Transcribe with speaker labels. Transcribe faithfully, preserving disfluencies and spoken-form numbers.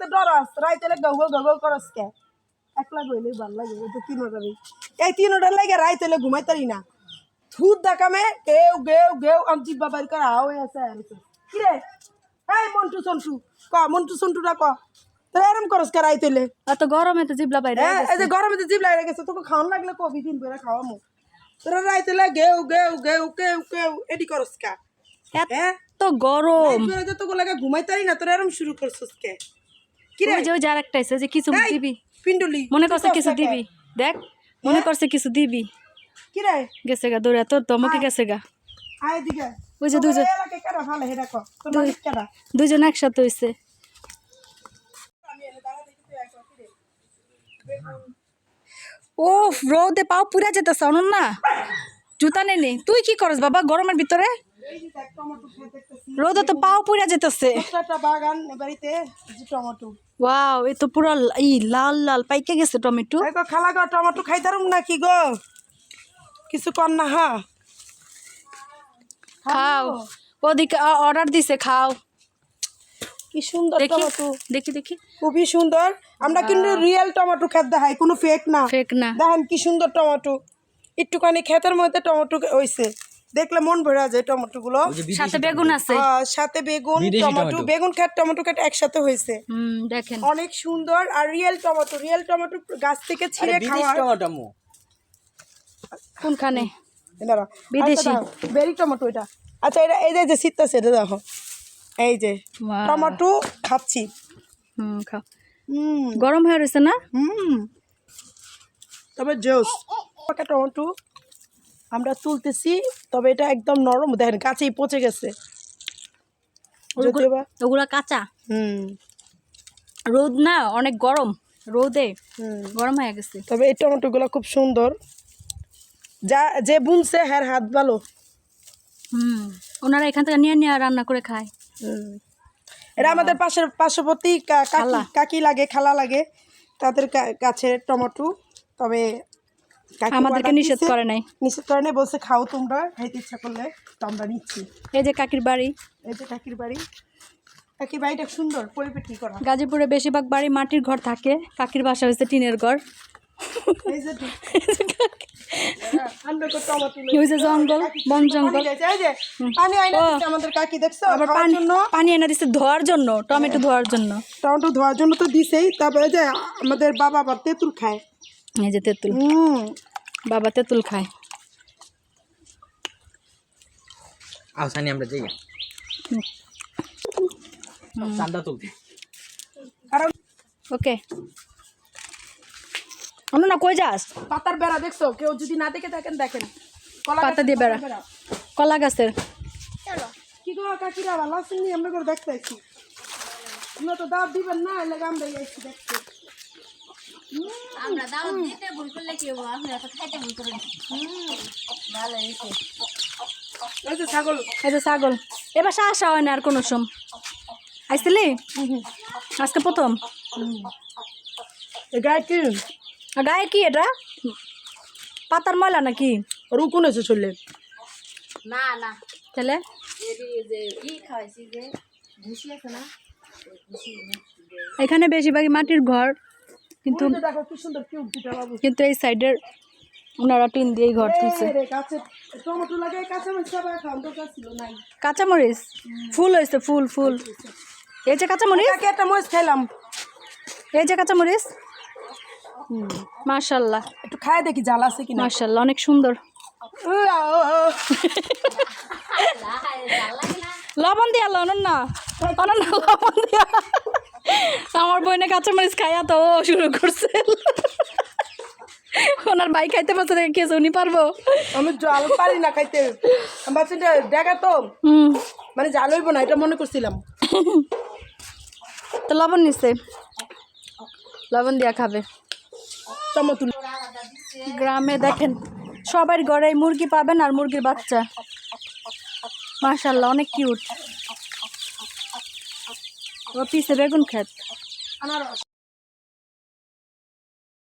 Speaker 1: দেখতে ডরাস রাইতে go go go করস কে একলা গইলে ভালো লাগে তো তিন ওটারই এই তিন ওটার লাগে রাইতে ঘুমাই তারি না থুত দেখামে গেউ গেউ গেউ আমি জিব্বা বাইর করা হয়ে আছে কি রে এই মন্টু সন্টু ক মন্টু সন্টুটা ক তোরা এরম করস কে রাইতে
Speaker 2: এত গরমে তো জিবলা বাইরে
Speaker 1: এই যে গরমে তো জিবলা বাইরে গেছে তোকে খাওয়ান লাগলে কবি দিন করে খাওয়ামু তোরা রাইতে গেউ গেউ গেউ গেউ গেউ এডি করস কা
Speaker 2: এত গরম
Speaker 1: তোরা যে তোকে লাগে ঘুমাই তারি না তোরা এরম শুরু করছস কে কি রে
Speaker 2: ওই যে ওই যার একটা আছে যে কিছু দিবি
Speaker 1: পিন্ডুলি
Speaker 2: মনে করছে কিছু দিবি দেখ মনে করছে কিছু দিবি
Speaker 1: কি রে
Speaker 2: গেছে গা দৌড়া তোর তো আমাকে গেছে গা
Speaker 1: আয় দিকে
Speaker 2: ওই যে দুজন
Speaker 1: এলাকে কেডা ভালো হেডা ক তোর মালিক কেডা
Speaker 2: দুজন একসাথে হইছে ও রোদে পাও পুরা যেতেছে অনন না জুতা নেই তুই কি করস বাবা গরমের ভিতরে রোদে তো পাও পুরা যেতেছে
Speaker 1: একটা বাগান বাড়িতে যে টমেটো
Speaker 2: ওয়াও এ তো পুরো ই লাল লাল পাইকে গেছে টমেটো
Speaker 1: এই গো খালা গো টমেটো খাইতারুম নাকি গো কিছু কর না হা
Speaker 2: খাও ওদিকে অর্ডার দিছে খাও
Speaker 1: কি সুন্দর টমেটো
Speaker 2: দেখি দেখি
Speaker 1: খুবই সুন্দর আমরা কিন্তু রিয়েল টমেটো খেত দেখাই কোনো ফেক না
Speaker 2: ফেক না
Speaker 1: দেখেন কি সুন্দর টমেটো একটুখানি ক্ষেতের মধ্যে টমেটো হইছে দেখলে মন ভরে যায় টমেটো গুলো
Speaker 2: সাথে বেগুন আছে
Speaker 1: সাথে বেগুন টমেটো বেগুন ক্ষেত টমেটো ক্ষেত একসাথে হয়েছে
Speaker 2: হুম দেখেন
Speaker 1: অনেক সুন্দর আর রিয়েল টমেটো রিয়েল টমেটো গাছ থেকে ছিঁড়ে খাওয়া
Speaker 2: কোনখানে
Speaker 1: দাঁড়া
Speaker 2: বিদেশি
Speaker 1: বেরি টমেটো এটা আচ্ছা এটা এই যে শীতটা এটা দেখো এই যে টমেটো খাচ্ছি
Speaker 2: হুম খাও
Speaker 1: হুম
Speaker 2: গরম হয়ে রয়েছে না
Speaker 1: হুম তবে জোস টমেটো আমরা তুলতেছি তবে এটা একদম নরম দেখেন কাছেই পচে গেছে
Speaker 2: ওগুলা কাঁচা
Speaker 1: হুম
Speaker 2: রোদ না অনেক গরম রোদে গরম হয়ে গেছে
Speaker 1: তবে এই টমেটোগুলো খুব সুন্দর যা যে বুনছে হ্যার হাত ভালো
Speaker 2: হুম ওনারা এখান থেকে নিয়ে নিয়ে রান্না করে খায়
Speaker 1: হুম এরা আমাদের পাশের পার্শ্ববর্তী কাকি কাকি লাগে খালা লাগে তাদের গাছের টমেটো তবে
Speaker 2: আমাদেরকে নিষেধ করে নাই
Speaker 1: নিষেধ করে নাই বলছে খাও তোমরা খাইতে ইচ্ছা করলে তো আমরা নিচ্ছি
Speaker 2: এই যে কাকির বাড়ি
Speaker 1: এই যে কাকির বাড়ি কাকির বাড়িটা সুন্দর পরিপাটি করা
Speaker 2: গাজীপুরে বেশিরভাগ বাড়ি মাটির ঘর থাকে কাকির বাসা হয়েছে টিনের ঘর জঙ্গল বন জঙ্গল
Speaker 1: আমাদের কাকি দেখছো
Speaker 2: আবার পানি এনে দিচ্ছে ধোয়ার জন্য টমেটো ধোয়ার জন্য
Speaker 1: টমেটো ধোয়ার জন্য তো দিছেই তবে যে আমাদের বাবা আবার তেঁতুল খায়
Speaker 2: এই যে তেঁতুল বাবা তেঁতুল খায়
Speaker 3: আসানি আমরা যাই চান্দা তুলতে
Speaker 1: কারণ
Speaker 2: ওকে অন্য না কই যাস
Speaker 1: পাতার বেড়া দেখছো কেউ যদি না দেখে থাকেন দেখেন
Speaker 2: পাতা দিয়ে বেড়া কলা গাছের
Speaker 1: কি গো কাকিরা ভালো আছেন আমরা করে দেখতে আইছি আমরা তো দাব দিবেন না এলে আমরা আইছি দেখতে
Speaker 4: আমরা দাও দিতে ভুল করলে কি হবে আমরা তো খাইতে ভুল করি ভালো হইছে
Speaker 1: এই যে ছাগল
Speaker 2: এই যে ছাগল এবার আসা হয় না আর কোনো সম আইছিলি আজকে প্রথম
Speaker 1: গায়ে কি
Speaker 2: গায়ে কি এটা পাতার ময়লা নাকি
Speaker 1: রুকুন এসে চললে
Speaker 4: না না
Speaker 2: তাহলে
Speaker 4: এই যে ই খাইছি যে ভুসি আছে না
Speaker 2: এখানে বেশিরভাগই মাটির ঘর কিন্তু
Speaker 1: দেখো কি সুন্দর কি উদ্ভিদ বাবু
Speaker 2: কিন্তু এই সাইডের ওনারা টিন দিয়ে ঘর তুলছে
Speaker 1: গাছে টমেটো লাগাই কাঁচা মরিচ সবাই খাওয়ান দরকার ছিল নাই
Speaker 2: কাঁচামরিচ ফুল হয়েছে ফুল ফুল এই যে কাঁচামরিচ
Speaker 1: একটা মরিচ খাইলাম
Speaker 2: এই যে কাঁচামরিচ মাশাআল্লাহ
Speaker 1: একটু খায় দেখি জাল আছে কিনা
Speaker 2: মাশাআল্লাহ অনেক সুন্দর লবণ দিয়া লবণ না অনন না লবণ দিয়া আমার বোনে কাঁচামরিচ খাইয়া তো ও শুরু করছে ওনার ভাই খাইতে পারছে দেখে খেয়েছে উনি পারবো
Speaker 1: আমি জাল পারি না খাইতে আমার চিন্তা দেখা তো মানে জাল হইব না এটা মনে করছিলাম
Speaker 2: তো লবণ নিচ্ছে লবণ দিয়া খাবে
Speaker 1: টমেটো
Speaker 2: গ্রামে দেখেন সবার ঘরে মুরগি পাবেন আর মুরগির বাচ্চা মাশাআল্লাহ অনেক কিউট ও পিছে বেগুন ক্ষেত
Speaker 1: আনারস